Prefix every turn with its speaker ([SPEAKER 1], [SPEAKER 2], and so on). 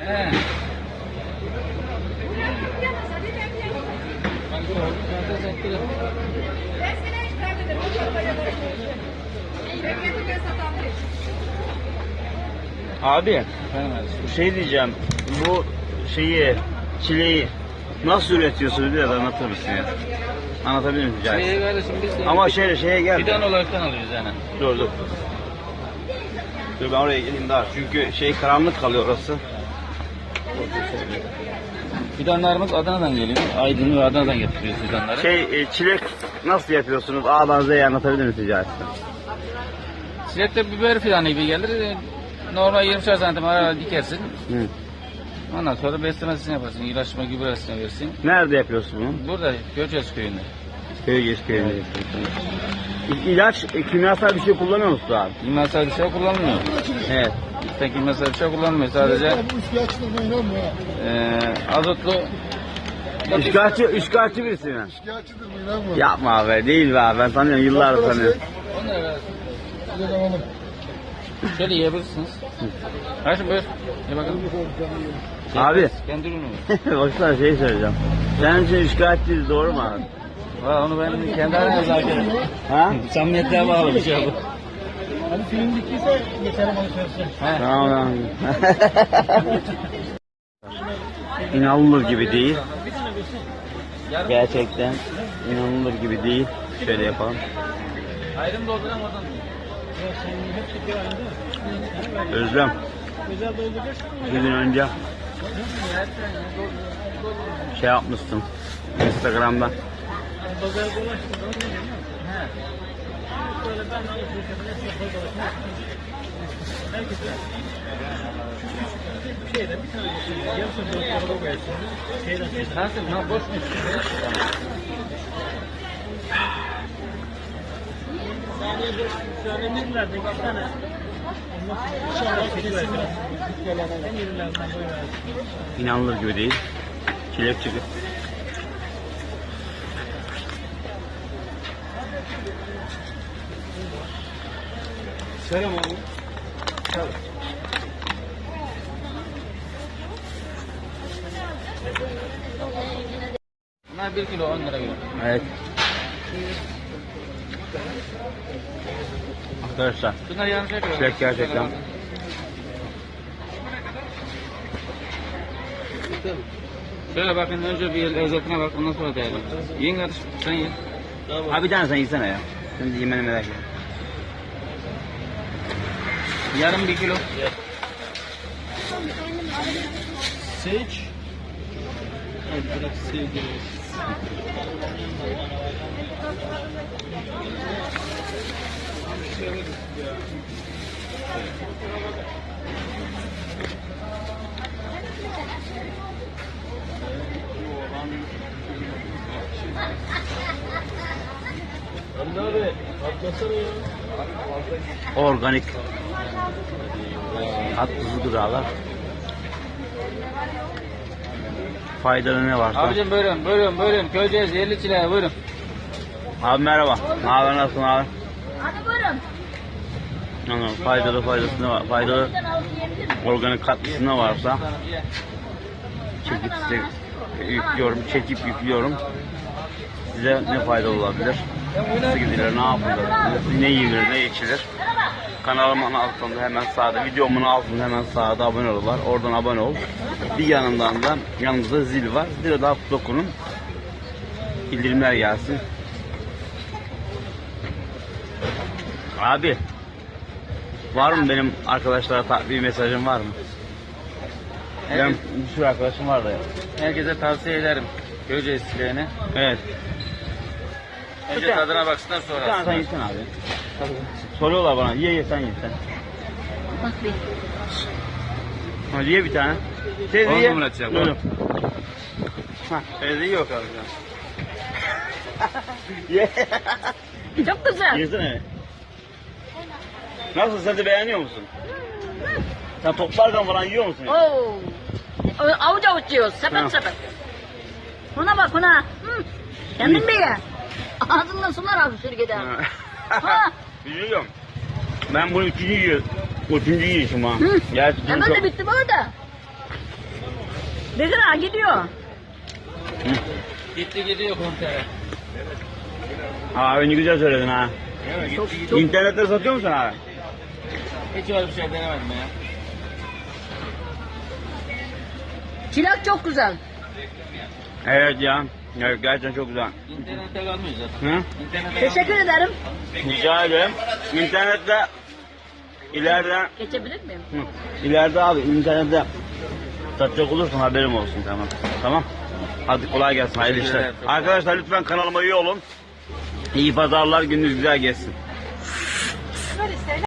[SPEAKER 1] He.
[SPEAKER 2] Abi, şey diyeceğim, bu çileği nasıl üretiyorsunuz biraz anlatır mısın ya? Anlatabilir misin?
[SPEAKER 1] Kardeşim biz de
[SPEAKER 2] Ama şeye gel.
[SPEAKER 1] fidan olaraktan alıyoruz yani.
[SPEAKER 2] Dur. Dur ben oraya geleyim daha. Çünkü karanlık kalıyor orası.
[SPEAKER 1] Fidanlarımız Adana'dan geliyor. Aydın ve Adana'dan getiriyoruz fidanları.
[SPEAKER 2] Çilek nasıl yapıyorsunuz? A'dan Z'ye anlatabilir misin rica etsem?
[SPEAKER 1] Çilekte biber fidanı gibi gelir. Normal 20 santim araya dikersin.
[SPEAKER 2] Hı.
[SPEAKER 1] Ondan sonra beslemesini yaparsın. İlaçlama gübresini versin.
[SPEAKER 2] Nerede yapıyorsun bunu?
[SPEAKER 1] Burada Göçez köyünde.
[SPEAKER 2] Köyde. İlaç, kimyasal bir şey kullanıyor musun abi?
[SPEAKER 1] Kimyasal bir şey kullanmıyor.
[SPEAKER 2] Evet.
[SPEAKER 1] Sen kimyasal bir şey kullanmıyor. Sadece azotlu
[SPEAKER 2] Üçkağıtçı birisi mi?
[SPEAKER 3] Şikayetçidir mi inanma.
[SPEAKER 2] Yapma abi, değil be abi. Ben tanıyorum, yıllardır tanıyorum.
[SPEAKER 1] Onları ver.
[SPEAKER 3] Bir de alalım.
[SPEAKER 1] Şöyle yiyebilirsiniz. Kardeşim buyur. Ye bakalım.
[SPEAKER 2] Abi,
[SPEAKER 1] Kendi ürünü.
[SPEAKER 2] baksana söyleyeceğim. Senin için üçkağıtçıyız, doğru mu abi?
[SPEAKER 1] Valla onu ben kendi aramda zaten.
[SPEAKER 2] Ha?
[SPEAKER 1] Samimiyetliğe bağlı bir şey bu.
[SPEAKER 3] Hani film bittiyse geçelim alışverişe.
[SPEAKER 2] Tamam. İnanılır gibi değil. Gerçekten inanılır gibi değil. Şöyle yapalım.
[SPEAKER 1] Ayrım dolduran oradan.
[SPEAKER 2] Özlem. Bir gün önce yapmıştım Instagram'da.
[SPEAKER 1] Nasıl? Ne boş mu?
[SPEAKER 2] İnanılır gibi değil. Çilek çıkı.
[SPEAKER 3] Selam abi.
[SPEAKER 1] Bunlar 1 kilo 10 lira gibi.
[SPEAKER 2] Evet. Arkadaşlar,
[SPEAKER 1] Bunlar yanlış yapıyor.
[SPEAKER 2] çilek gerçekten.
[SPEAKER 1] Şöyle bakın önce bir lezzetine bak ondan sonra değerlendir. Yiyin kardeşim sen ye.
[SPEAKER 2] Abi bir tane sen yesene ya. Şimdi yemeni merak ettim.
[SPEAKER 1] Yarım 1 kilo.
[SPEAKER 3] Seç. Evet, bırak sevgili. Hamdi abi, atlasana ya.
[SPEAKER 2] Organik. Tuzlu gıdalar. Faydalı ne varsa.
[SPEAKER 1] Abicim buyurun. Köyceğiz yerli çileğe buyurun.
[SPEAKER 2] Abi merhaba. Ne haber, nasılsın abi?
[SPEAKER 4] Hadi buyurun.
[SPEAKER 2] Anladım. Faydası ne var? Faydalı organik katkısı ne varsa çekip yüklüyorum. Size ne faydalı olabilir? Nasıl gidilir, ne yapılır, ne yenir, ne içilir? Kanalımın altında hemen sağda, videomun altında hemen sağda abone ol var. Oradan abone ol. Bir yanından da yanımızda zil var. Zile daha dokunun. Bildirimler gelsin. Abi, var mı benim arkadaşlara bir mesajım var mı? Benim bir sürü arkadaşım var da ya.
[SPEAKER 1] Herkese tavsiye ederim. Köyceğiz çileğini.
[SPEAKER 2] Evet.
[SPEAKER 1] Önce tadına baksınlar sonra.
[SPEAKER 2] Bir tane sen yesen abi. Soruyorlar bana, ye sen ye sen.
[SPEAKER 4] Bak bir.
[SPEAKER 2] Hadi ye bir tane. Teyze
[SPEAKER 1] On
[SPEAKER 2] ye.
[SPEAKER 1] numara çiçek,
[SPEAKER 2] Buyurun. Teyze yok abi. Ye.
[SPEAKER 4] Çok güzel.
[SPEAKER 2] Yesene. Nasıl, sen de beğeniyor musun? Sen toplarken falan yiyor musun?
[SPEAKER 4] Oo. Avuç avuç yiyoruz.
[SPEAKER 2] Ha.
[SPEAKER 4] Sepet sepet. Buna bak buna. Hı. Kendin bir ye. Ağzından sular abi sürgüde. Ha.
[SPEAKER 2] Biliyorum. Ben bunu üçüncü yiyişim ha.
[SPEAKER 4] Hı.
[SPEAKER 2] Gerçi
[SPEAKER 4] Hemen
[SPEAKER 2] çok...
[SPEAKER 4] de bitti bu arada. Bekir ağa gidiyor.
[SPEAKER 1] Gitti gidiyor kontere.
[SPEAKER 2] Abi ne güzel söyledin ha.
[SPEAKER 4] Çok
[SPEAKER 2] İnternette satıyor musun abi?
[SPEAKER 1] Hiç öyle bir şey denemedim ya.
[SPEAKER 4] çilek çok güzel.
[SPEAKER 2] Evet ya. Evet gerçekten çok güzel.
[SPEAKER 1] İnternette kalmıyor zaten.
[SPEAKER 2] Hı?
[SPEAKER 1] İnternette
[SPEAKER 4] Teşekkür ederim.
[SPEAKER 2] Rica ederim. İnternette ileride
[SPEAKER 4] Geçebilir miyim?
[SPEAKER 2] ileride abi internette satacak olursan haberim olsun tamam. Tamam. Hadi kolay gelsin hayırlı işler.
[SPEAKER 1] ederim.
[SPEAKER 2] Arkadaşlar lütfen kanalıma üye olun. İyi pazarlar, gününüz güzel geçsin.